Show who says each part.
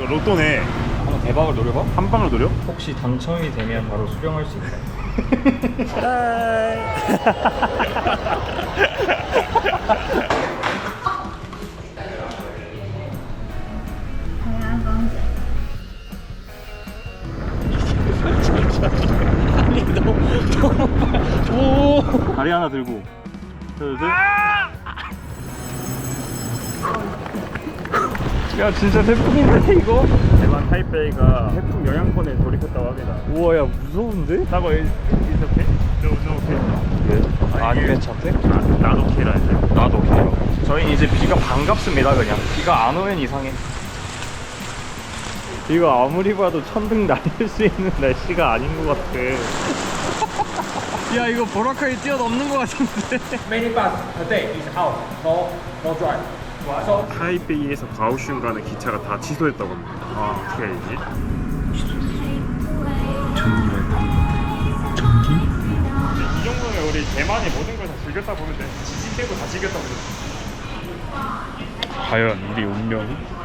Speaker 1: 이거 로또네.
Speaker 2: 한번 대박을 노려봐.
Speaker 1: 한 방을 노려?
Speaker 2: 혹시 당첨이 되면 바로 수령할 수 있다.
Speaker 1: 다리 하나 들고. 둘, 셋. 야 진짜 태풍인데 이거? 대만 타이베이가 태풍 영향권에 돌입했다고 합니다. 우와 야 무서운데? 나고 이렇게? No okay.
Speaker 2: 안 괜찮대?
Speaker 1: 나도 오케이라 했어요.
Speaker 2: 나도 오케이라고. 저희는 이제 비가 반갑습니다. 그냥 비가 안 오면 이상해.
Speaker 1: 이거 아무리 봐도 천둥 날릴 수 있는 날씨가 아닌 것 같아. 야 이거 보라카이 뛰어넘는 것 같은데.
Speaker 2: Many bus a day is out. No drive.
Speaker 1: 타이베이에서 가오슝 가는 기차가 다 취소했다고 합니다. 아 어떻게 알지? 이 정도면 우리 대만의 모든 걸 다 즐겼다 보면 돼. 지진 빼고 다 즐겼다 보면 돼. 과연 우리 운명이?